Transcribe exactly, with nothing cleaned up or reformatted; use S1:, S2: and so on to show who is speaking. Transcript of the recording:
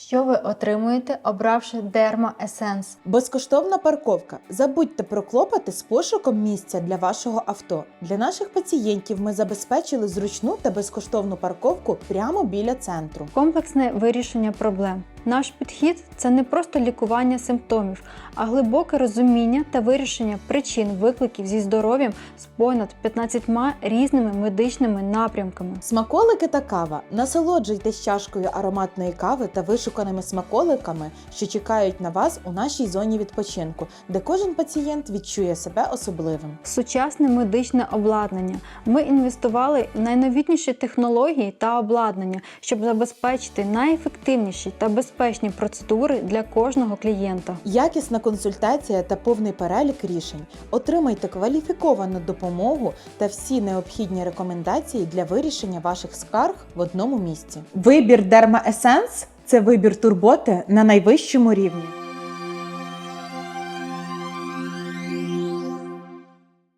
S1: Що ви отримуєте, обравши Derma Essence?
S2: Безкоштовна парковка. Забудьте про клопоти з пошуком місця для вашого авто. Для наших пацієнтів ми забезпечили зручну та безкоштовну парковку прямо біля центру.
S1: Комплексне вирішення проблем. Наш підхід – це не просто лікування симптомів, а глибоке розуміння та вирішення причин викликів зі здоров'ям з понад п'ятнадцятьма різними медичними напрямками.
S2: Смаколики та кава. Насолоджуйтесь чашкою ароматної кави та вишуканими смаколиками, що чекають на вас у нашій зоні відпочинку, де кожен пацієнт відчує себе особливим.
S1: Сучасне медичне обладнання. Ми інвестували в найновітніші технології та обладнання, щоб забезпечити найефективніші та безпечні процедури для кожного клієнта.
S2: Якісна консультація та повний перелік рішень. Отримайте кваліфіковану допомогу та всі необхідні рекомендації для вирішення ваших скарг в одному місці. Вибір Derma Essence – це вибір турботи на найвищому рівні.